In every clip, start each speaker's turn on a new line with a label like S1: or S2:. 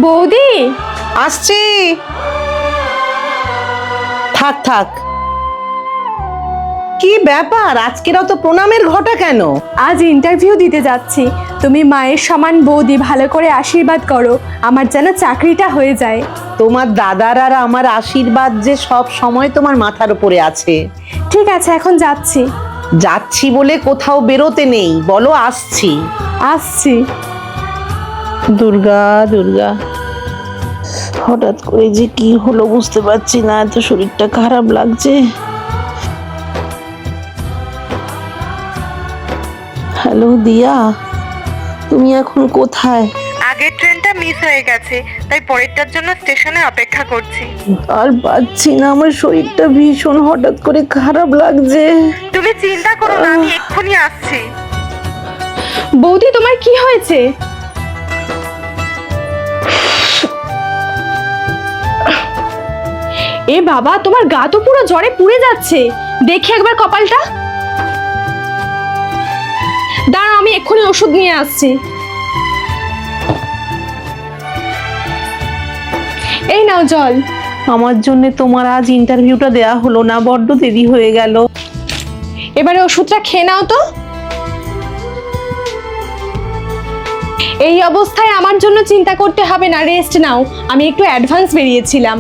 S1: বৌদি
S2: আসছি। থাক থাক, কি ব্যাপার আজকের অত প্রণামের ঘটা কেন?
S1: আজ ইন্টারভিউ দিতে যাচ্ছি, তুমি মায়ের সমান বৌদি, ভালো করে আশীর্বাদ করো আমার যেন চাকরিটা হয়ে যায়।
S2: তোমার দাদার আর আমার আশীর্বাদ যে সব সময় তোমার মাথার উপরে আছে।
S1: ঠিক আছে, এখন যাচ্ছি।
S2: যাচ্ছি বলে কোথাও বেরোতে নেই, বলো আসছি।
S1: আসছি।
S2: দুর্গা দুর্গা, হঠাৎ করে যে কি হলো বুঝতে পারছি না, এত শরীরটা খারাপ লাগছে। হ্যালো দিয়া, তুমি এখন কোথায়?
S3: আগের ট্রেনটা মিস হয়ে গেছে, তাই পরেরটার জন্য স্টেশনে অপেক্ষা করছি।
S2: আর পাচ্ছি না, আমার শরীরটা ভীষণ হঠাৎ করে খারাপ লাগছে।
S3: তুমি চিন্তা করো না, আমি এক্ষুনি আসছি।
S1: বৌদি তোমার কি হয়েছে? এ বাবা, তোমার গা তো পুরো জ্বরে পুড়ে যাচ্ছে, দেখি একবার কপালটা। দাঁড়াও, আমি এক্ষুনি ওষুধ নিয়ে আসছি। এই নাও জল।
S2: আমার জন্য তোমার আজ ইন্টারভিউটা দেয়া হলো না, বড্ড দেরি হয়ে গেল।
S1: এবারে ওষুধটা খেয়ে নাও তো। এই অবস্থায় আমার জন্য চিন্তা করতে হবে না, রেস্ট নাও। আমি একটু অ্যাডভান্স বেরিয়েছিলাম।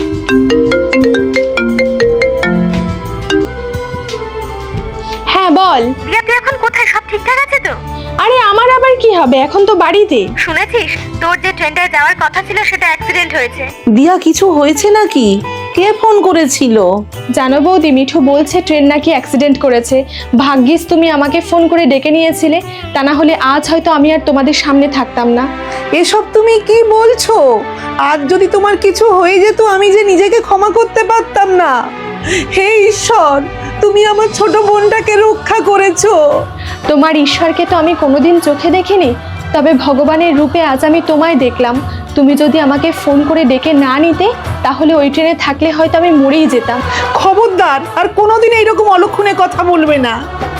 S1: হ্যাঁ বল।
S3: রিয়া, তুই এখন কোথায়? সব ঠিকঠাক আছে তো?
S1: আরে আমার আবার কি হবে, এখন তো বাড়িতে।
S3: শুনেছিস, তোর যে ট্রেনটায় যাওয়ার কথা ছিল সেটা অ্যাক্সিডেন্ট হয়েছে।
S2: দিয়া, কিছু হয়েছে নাকি? কে ফোন করেছিল?
S1: জানো বৌদি, মিঠু বলছে ট্রেন নাকি অ্যাক্সিডেন্ট করেছে। ভাগ্যিস তুমি আমাকে ফোন করে ডেকে নিয়েছিলে, তা না হলে আজ হয়তো আমি আর তোমাদের সামনে থাকতাম না।
S2: এসব তুমি কি বলছো? আজ যদি তোমার কিছু হয়ে যেত, আমি যে নিজেকে ক্ষমা করতে পারতাম না। হে ঈশ্বর, তুমি আমার ছোট বোনটাকে রক্ষা করেছো।
S1: তোমার ঈশ্বরকে তো আমি কোনোদিন চোখে দেখিনি, তবে ভগবানের রূপে আজ আমি তোমায় দেখলাম। তুমি যদি আমাকে ফোন করে ডেকে না নিতে, তাহলে ওই ট্রেনে থাকলে হয়তো আমি মরেই যেতাম।
S2: খবরদার আর কোনোদিন এইরকম অলক্ষণে কথা বলবে না।